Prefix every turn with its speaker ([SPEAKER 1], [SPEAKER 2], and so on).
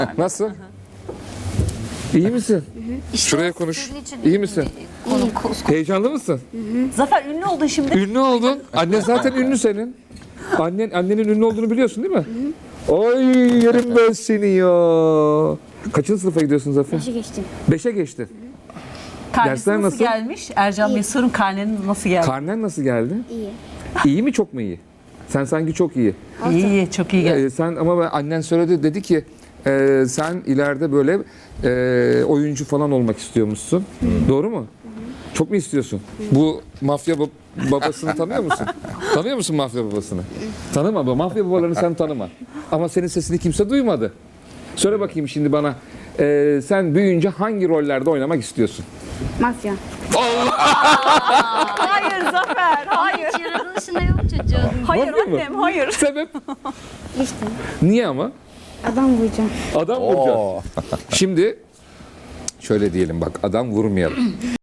[SPEAKER 1] Nasıl? İyi misin? Şuraya konuş. İyi misin? Heyecanlı mısın?
[SPEAKER 2] Zafer ünlü oldun şimdi.
[SPEAKER 1] Ünlü oldun. Annen zaten ünlü senin. Annenin ünlü olduğunu biliyorsun değil mi? Oy yerim ben seni ya. Kaçıncı sınıfa gidiyorsun Zafer?
[SPEAKER 3] 5'e geçtim.
[SPEAKER 1] 5'e geçtin.
[SPEAKER 2] Karnesi
[SPEAKER 1] Dersler
[SPEAKER 2] nasıl
[SPEAKER 1] nasıl?
[SPEAKER 2] gelmiş? Ercan Bey sorun, karnenin nasıl geldi?
[SPEAKER 1] Karnen nasıl geldi?
[SPEAKER 3] İyi.
[SPEAKER 1] İyi mi çok mu iyi? Sen sanki çok iyi.
[SPEAKER 2] İyi, çok iyi geldi.
[SPEAKER 1] Sen ama annen söyledi dedi ki sen ileride böyle oyuncu falan olmak istiyormuşsun. Doğru mu? Çok mu istiyorsun? Bu mafya babasını tanıyor musun? Tanıyor musun mafya babasını? Tanıma. Mafya babalarını sen tanıma. Ama senin sesini kimse duymadı. Söyle bakayım şimdi bana. Sen büyüyünce hangi rollerde oynamak istiyorsun?
[SPEAKER 3] Mafya.
[SPEAKER 2] Hayır Zafer, hayır.
[SPEAKER 4] Hiç yaratılışında yok çocuğun.
[SPEAKER 2] Hayır
[SPEAKER 1] Mafya mı?
[SPEAKER 2] annem, hayır.
[SPEAKER 1] Sebep?
[SPEAKER 3] İşte
[SPEAKER 1] Niye ama?
[SPEAKER 3] adam vuracağım.
[SPEAKER 1] Adam vuracağız. Şimdi şöyle diyelim bak adam vurmayalım.